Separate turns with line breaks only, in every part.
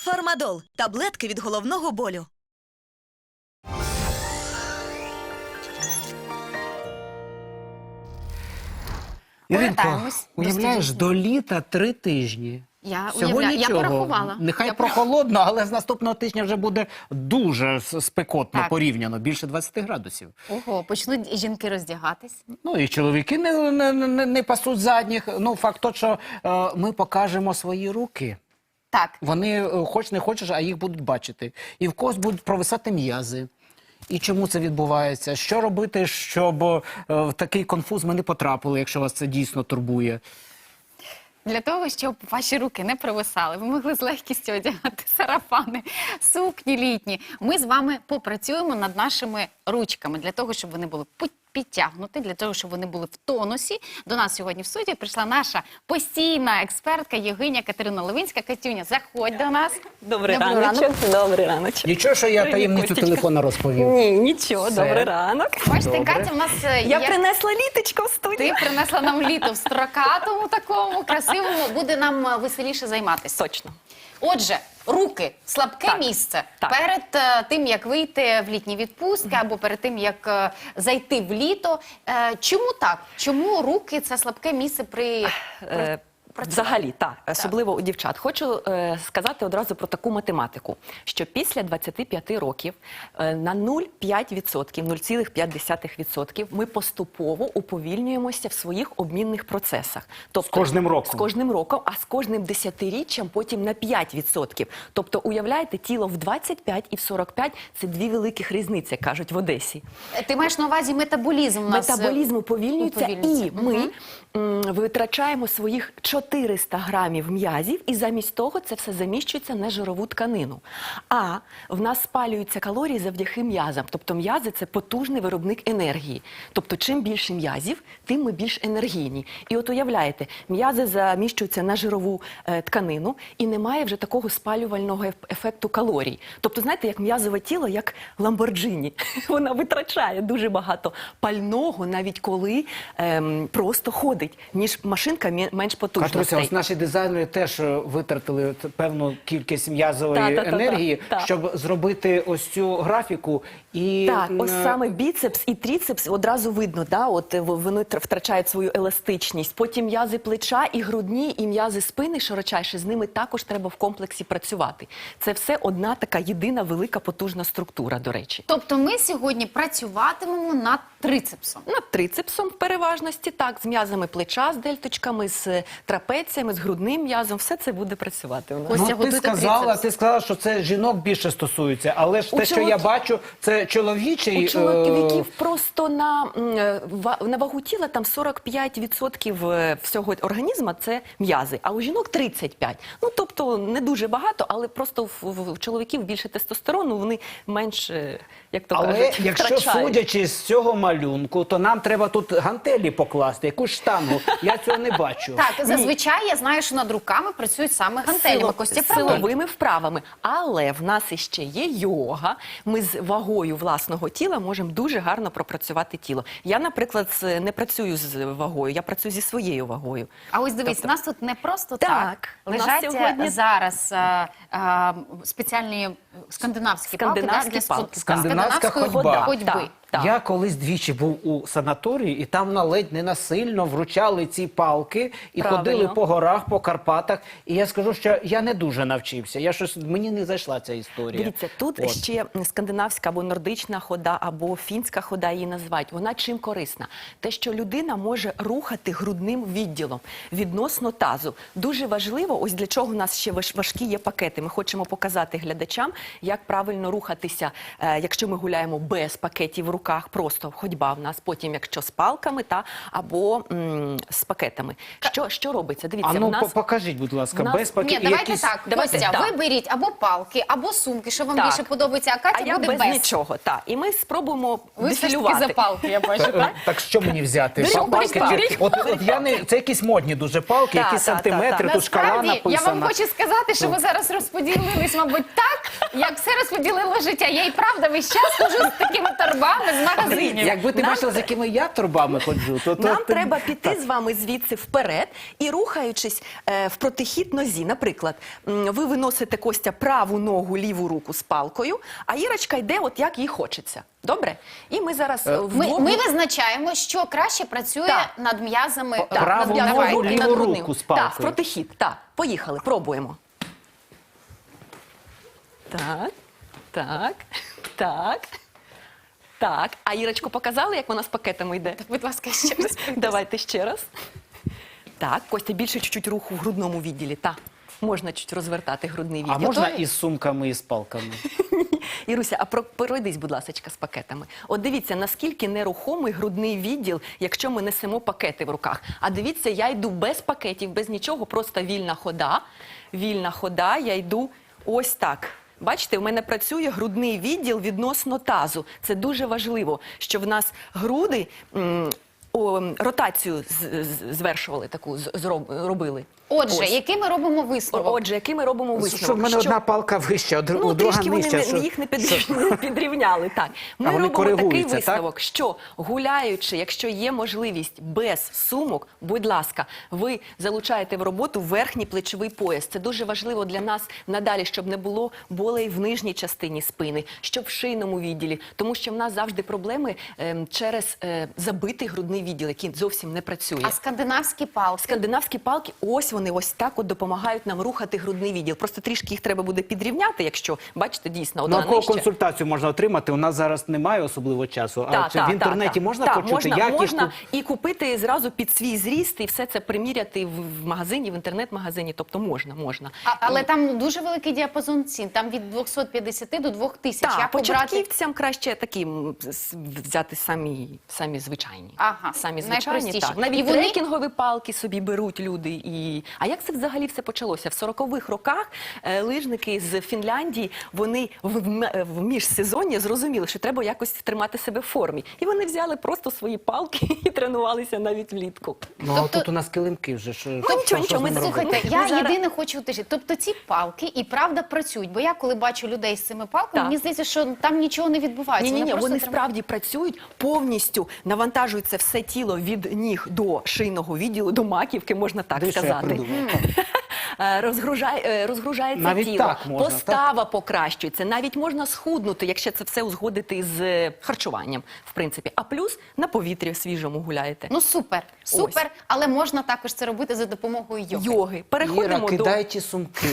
Фармадол – таблетки від головного болю.
Іринко,
Повертаємось до
уявляєш,
студії.
до літа 3 тижні.
Я
Всього
уявляю, я
нічого.
порахувала.
Нехай прохолодно, але з наступного тижня вже буде дуже спекотно
Так.
порівняно, більше 20 градусів.
Ого, почнуть жінки роздягатись.
Ну і чоловіки не пасуть задніх. Ну, факт то, що ми покажемо свої руки.
Так,
Вони, хоч не хочеш, а їх будуть бачити. І в когось будуть провисати м'язи. І чому це відбувається? Що робити, щоб в такий конфуз ми не потрапили, якщо вас це дійсно турбує?
для того, щоб ваші руки не провисали, ви могли з легкістю одягати сарафани, сукні літні. Ми з вами попрацюємо над нашими ручками, для того, щоб вони були підтягнуті, для того, щоб вони були в тонусі. До нас сьогодні в студію прийшла наша постійна експертка Євгенія Катерина Левинська. Катюня, заходь до нас.
Добрий раночок. Добрий раночок.
Нічого, що я
Привіт,
таємницю
Костечка.
телефона розповів.
Ні, нічого,
Все.
добрий ранок.
Бачите,
Добре.
Катя, в нас
Я принесла літочко в студію.
Ти принесла нам літо в строкатому такому, красивому, буде нам веселіше займатися.
Точно.
Отже, руки – слабке
Так,
місце.
так.
Перед тим, як вийти в літні відпустки або перед тим, як зайти в літо. Чому так? Чому руки – це слабке місце при працюванні?
Взагалі, так, особливо у дівчат. Хочу сказати одразу про таку математику, що після 25 років на 0,5%, 0,5% ми поступово уповільнюємося в своїх обмінних процесах. Тобто,
З кожним роком.
З кожним роком, а з кожним десятиріччям потім на 5%. Тобто, уявляєте, тіло в 25 і в 45 – це дві великих різниці, кажуть в Одесі.
Ти маєш на увазі метаболізм у нас?
Метаболізм уповільнюється,
уповільнюється.
і ми витрачаємо своїх 400 грамів м'язів, і замість того це все заміщується на жирову тканину. А в нас спалюються калорії завдяки м'язам. Тобто м'язи – це потужний виробник енергії. Тобто чим більше м'язів, тим ми більш енергійні. І от уявляєте, м'язи заміщуються на жирову тканину, і немає вже такого спалювального ефекту калорій. Тобто, знаєте, як м'язове тіло, як Ламборджині. Вона витрачає дуже багато пального, навіть коли просто ходить, ніж машинка менш потужна.
Катруся, ось наші дизайнери теж витратили певну кількість м'язової енергії, щоб зробити ось цю графіку. І
Так, ось саме біцепс і тріцепс одразу видно, да? От вони втрачають свою еластичність. Потім м'язи плеча і грудні, і м'язи спини широчайші, з ними також треба в комплексі працювати. Це все одна така єдина велика потужна структура, до речі.
Тобто ми сьогодні працюватимемо над трицепсом.
Над трицепсом в переважності, так, з м'язами плеча, з дельточками, з трапеціями, з грудним м'язом, все це буде працювати у нас.
Костя,
Ну,
готуйте
ти сказала, що це жінок більше стосується, але ж те, що я
чоловіків-
бачу, це чоловічий...
У чоловіків просто на вагу тіла там 45% всього організму – це м'язи, а у жінок 35%. Ну, тобто не дуже багато, але просто в чоловіків більше тестостерону, вони менш, як то
Але
кажуть,
якщо
втрачають.
судячи з цього малюнку, то нам треба тут гантелі покласти, якусь штангу. Я цього не бачу.
Так, зазвичай я знаю, що над руками працюють саме гантелями. Костя, правильно?
Силовими вправами. Але в нас іще є йога. Ми з вагою власного тіла можемо дуже гарно пропрацювати тіло. Я, наприклад, не працюю з вагою, я працюю зі своєю вагою.
А ось дивись,
Тобто-
у нас тут не просто
Так,
так.
у нас
Лежать
сьогодні-
зараз спеціальні скандинавські палки
Скандинавські
для
палки.
Скандинавська
скандинавської
ходьба.
ходьби.
Так.
Я колись двічі був у санаторії, і там ледь не насильно вручали ці палки і
Правильно.
ходили по горах, по Карпатах. І я скажу, що я не дуже навчився. Мені не зайшла ця історія.
Дивіться, тут
От.
ще скандинавська або нордична хода, або фінська хода її називають. Вона чим корисна? Те, що людина може рухати грудним відділом відносно тазу. Дуже важливо, ось для чого у нас ще важкі є пакети. Ми хочемо показати глядачам, як правильно рухатися, якщо ми гуляємо без пакетів в руках, просто ходьба в нас, потім якщо з палками або з пакетами. Що робиться? Дивіться,
А ну,
в нас...
покажіть, будь ласка,
в нас-
без
Ні,
пакетів.
давайте так,
давайте
Костя,
так.
ви беріть або палки, або сумки, що вам
Так.
більше подобається, а Катя
А я
буде
без нічого, так. І ми спробуємо
Ви все ж таки
дефілювати.
за палки, я бачу, так?
Так що мені взяти?
Беріть
Палки
палки.
чи- От я не... Це якісь модні дуже палки,
Так,
якісь
так,
сантиметри,
так,
тут шкала
Насправді,
написана.
я вам хочу сказати, що ви зараз розподілились, мабуть, так, як все розподілило життя. Я і правда весь час хожу з такими торбами, з магазинів.
Якби ти
Нам
бачила, з якими я торбами ходжу, то
Нам
ти-
треба піти з вами звідси вперед і рухаючись в протихід нозі. Наприклад, ви виносите, Костя, праву ногу, ліву руку з палкою, а Ірочка йде от як їй хочеться. Добре? І ми зараз вдвох...
Ми визначаємо, що краще працює
Так.
над м'язами.
Так,
Праву
над
ногу,
руки,
ліву
над грудним.
руку з
Так,
палкою.
в протихід. Так, поїхали, пробуємо. Так, так, так, так. А Ірочку показали, як вона з пакетами йде?
Будь ласка, ще раз.
Давайте ще раз. Так, Костя, більше чуть-чуть руху в грудному відділі. Так, можна чуть розвертати грудний відділ.
А можна
Готові?
із сумками, і з палками?
Іруся, а пройдись, будь ласка, з пакетами. От дивіться, наскільки нерухомий грудний відділ, якщо ми несемо пакети в руках. А дивіться, я йду без пакетів, без нічого, просто вільна хода. Вільна хода, я йду ось так. Бачите, в мене працює грудний відділ відносно тазу. Це дуже важливо, що в нас груди ротацію звершували, таку робили.
Отже,
Ось.
який ми робимо висновок?
Отже, який ми робимо висновок?
Що в мене одна палка вища, у друга
трішки
нижча.
вони
що-
їх не підрівняли. Так. Ми
А вони
робимо такий
коригуються, так?
висновок, що гуляючи, якщо є можливість без сумок, будь ласка, ви залучаєте в роботу верхній плечовий пояс. Це дуже важливо для нас надалі, щоб не було болей в нижній частині спини, щоб в шийному відділі. Тому що в нас завжди проблеми через забитий грудний відділ, який зовсім не працює.
А скандинавські палки?
Скандинавські палки, ось вони ось так от допомагають нам рухати грудний відділ. Просто трішки їх треба буде підрівняти, якщо, бачите, дійсно, одна
Наукову
нижче.
консультацію можна отримати. У нас зараз немає особливо часу. А
Так,
чи в інтернеті можна почути якісну?
можна і купити зразу під свій зріст, і все це приміряти в магазині, в інтернет-магазині. Тобто можна.
Але там дуже великий діапазон цін. Там від 250 до 2000.
Так,
Як обрати?
початківцям краще такі взяти самі звичайні.
Ага,
Самі звичайні,
найпростіші.
так. Навіть
І вони-
трекінгові палки собі беруть люди. А як це взагалі все почалося? В 40-х роках лижники з Фінляндії, вони в міжсезонні зрозуміли, що треба якось тримати себе в формі. І вони взяли просто свої палки і тренувалися навіть влітку.
Ну,
Тобто-
тут у нас килимки вже.
нічого, ми
Слухайте,
Ми
я
зараз-
єдине хочу уточнити. Тобто ці палки і правда працюють. Бо я коли бачу людей з цими палками,
Так.
мені здається, що там нічого не відбувається.
Ні,
просто
вони
тримають.
справді працюють, повністю навантажується все тіло від ніг до шийного відділу, до маківки, можна так
Де що я
сказати.
придумав?
Розгружається
Навіть
тіло,
так можна,
постава покращується, навіть можна схуднути, якщо це все узгодити з харчуванням, в принципі. А плюс на повітрі свіжому гуляєте.
Ну супер, але можна також це робити за допомогою йоги.
Йоги. Переходимо
Іра,
до...
кидай ті сумки.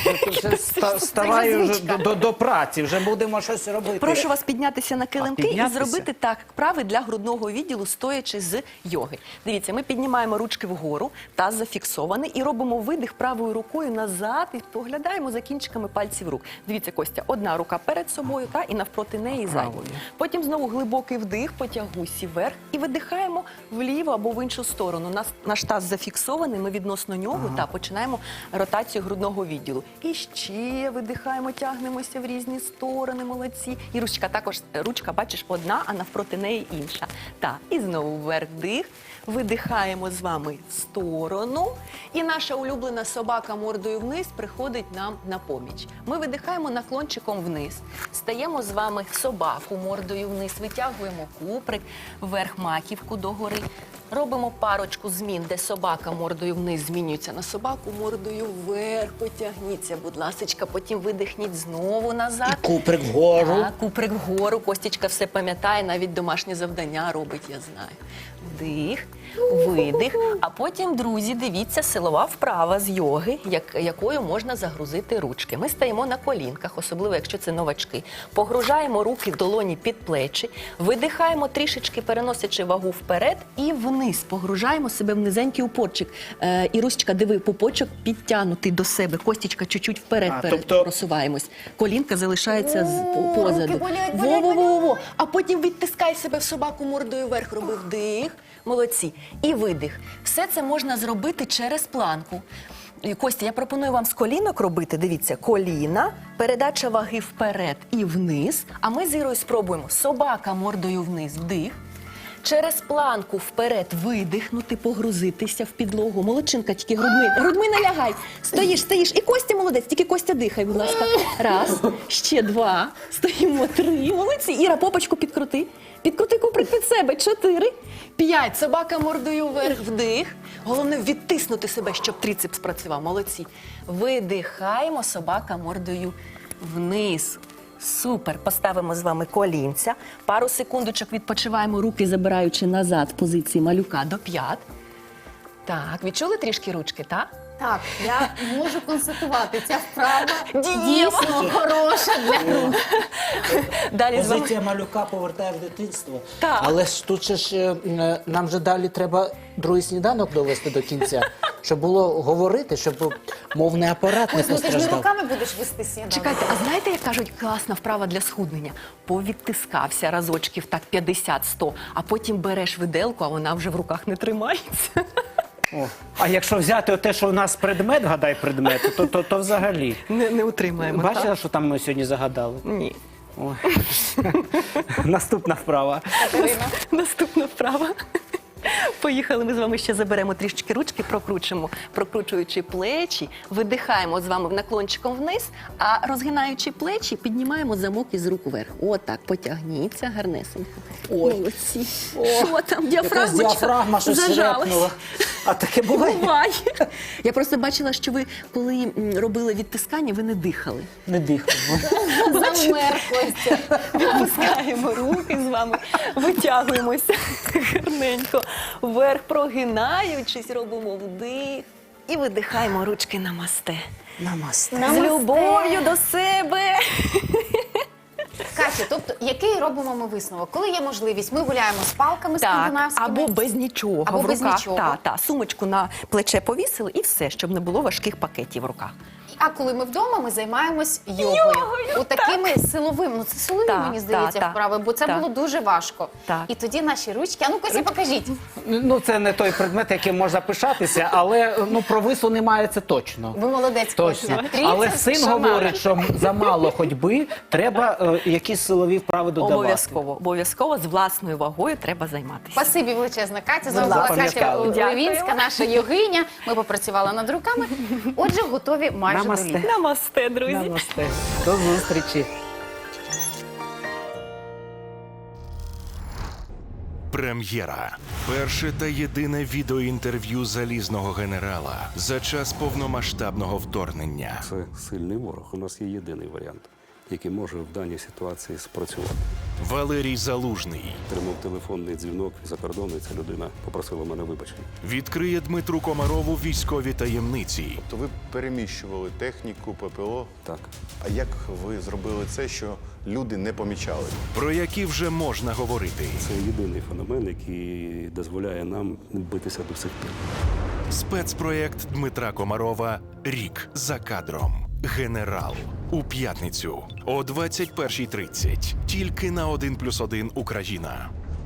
Ставай вже до праці, вже будемо щось робити.
Прошу вас піднятися на килимки і
піднятися?
зробити так вправи для грудного відділу, стоячи з йоги. Дивіться, ми піднімаємо ручки вгору, таз зафіксований і робимо видих правою рукою назад і поглядаємо за кінчиками пальців рук. Дивіться, Костя, одна рука перед собою і навпроти неї задня.
Правою.
Потім знову глибокий вдих, потягуйся вверх і видихаємо вліво або в іншу сторону. Наш таз зафіксований, ми відносно нього починаємо ротацію грудного відділу. І ще видихаємо, тягнемося в різні сторони, молодці. І ручка, бачиш, одна, а навпроти неї інша. Так, і знову вверх дих. Видихаємо з вами в сторону. І наша улюблена собака мордою вниз приходить нам на поміч. Ми видихаємо наклончиком вниз. Стаємо з вами в собаку мордою вниз. Витягуємо куприк, вверх маківку догори. Робимо парочку змін, де собака мордою вниз змінюється на собаку мордою вверх. Потягніться, будь ласочка, потім видихніть знову назад.
Куприк вгору.
Так, куприк вгору. Костічка все пам'ятає, навіть домашнє завдання робить, я знаю. Вдих, видих. А потім, друзі, дивіться, силова вправа з йоги, якою можна загрузити ручки. Ми стаємо на колінках, особливо, якщо це новачки. Погружаємо руки в долоні під плечі, видихаємо трішечки, переносячи вагу вперед і вниз. Погружаємо себе в низенький упорчик. Ірусечка, диви, пупочок підтягнутий до себе. Костічка чуть-чуть вперед просуваємось. Колінка залишається позаду.
руки болять,
Во-во-во-во. А потім відтискай себе в собаку мордою вверх. Роби вдих. Молодці. І видих. Все це можна зробити через планку. Костя, я пропоную вам з колінок робити. Дивіться, коліна, передача ваги вперед і вниз. А ми з Ірою спробуємо. Собака мордою вниз. Вдих. Через планку вперед видихнути, погрузитися в підлогу. Молодчинка, тільки грудьми не лягай. Стоїш. І Костя молодець, тільки Костя дихай, будь ласка. Раз, ще 2, стоїмо 3. Молодці. Іра, попочку підкрути. Підкрути куприк під себе. 4, 5. Собака мордою вверх, вдих. Головне відтиснути себе, щоб трицепс працював. Молодці. Видихаємо, собака мордою вниз. Супер. Поставимо з вами колінця. Пару секундочок відпочиваємо, руки забираючи назад в позиції малюка до п'ят. Так, відчули трішки ручки, так?
Так, я можу констатувати, ця вправа
Дієва.
дійсно хороша для рук.
Далі з вами.
Позиція малюка повертає в дитинство.
Так.
Але ж тут же ж нам же далі треба другий сніданок довести до кінця, щоб було говорити, щоб мовний апарат не
Ось, ну ти ж не
постраждав.
руками будеш вести сніданок.
Чекайте, а знаєте, як кажуть, класна вправа для схуднення? Повідтискався разочків так 50-100, а потім береш виделку, а вона вже в руках не тримається.
О. А якщо взяти те, що у нас предмет, гадай предмет, то взагалі.
Не утримаємо.
Бачила,
так?
що там ми сьогодні загадали?
Ні.
Ой. Наступна вправа.
Катерина.
Наступна вправа. Поїхали, ми з вами ще заберемо трішечки ручки, прокручуючи плечі, видихаємо з вами наклончиком вниз, а розгинаючи плечі, піднімаємо замок із рук вверх. Отак, потягніться гарнесенько. Молодці. Що там,
Якась
діафрагмочка?
діафрагма щось
Зажалась.
репнула. А таке буває?
Буває. Я просто бачила, що ви, коли робили відтискання, ви не дихали.
Не дихаємо.
Замер Костя.
Відпускаємо руки з вами, витягуємося гарненько вверх, прогинаючись, робимо вдих і видихаємо ручки намасте.
Намасте.
З любов'ю до себе.
Катя, тобто, який робимо ми висновок? Коли є можливість, ми гуляємо з палками
Так,
скандинавськими.
або без нічого
Або
в
без
руках.
нічого.
Та, сумочку на плече повісили і все, щоб не було важких пакетів в руках.
А коли ми вдома, ми займаємось йогою. Такими силовими, ну це силові,
Так,
мені здається,
так,
вправи, бо це
так.
було дуже важко.
Так.
І тоді наші ручки, а ну Костя, покажіть.
Ну, це не той предмет, яким можна пишатися, але про вису немає, це точно.
Ви молодець,
Точно.
Костя.
Але
Трицепс,
син
шамани.
говорить, що замало ходьби, треба якісь силові вправи додавати.
Обов'язково з власною вагою треба займатися.
Спасибі величезна, Катя. З вами
Будь
була
ласка,
Катя
дякую.
Левінська, наша йогиня. Ми попрацювали над руками. Отже, готові майже до
Намасте.
літа.
Намасте, друзі.
Намасте. До зустрічі.
Прем'єра. Перше та єдине відеоінтерв'ю залізного генерала за час повномасштабного вторгнення.
Це сильний ворог. У нас є єдиний варіант, який може в даній ситуації спрацювати.
Валерій Залужний
Тримав телефонний дзвінок за кордону, і ця людина попросила мене вибачення.
відкриє Дмитру Комарову військові таємниці.
То ви переміщували техніку, ППО.
Так.
А як ви зробили це, що люди не помічали?
Про які вже можна говорити.
Це єдиний феномен, який дозволяє нам битися до сих пір.
Спецпроєкт Дмитра Комарова «Рік за кадром. Генерал». У п'ятницю о 21:30. Тільки на 1+1 Україна.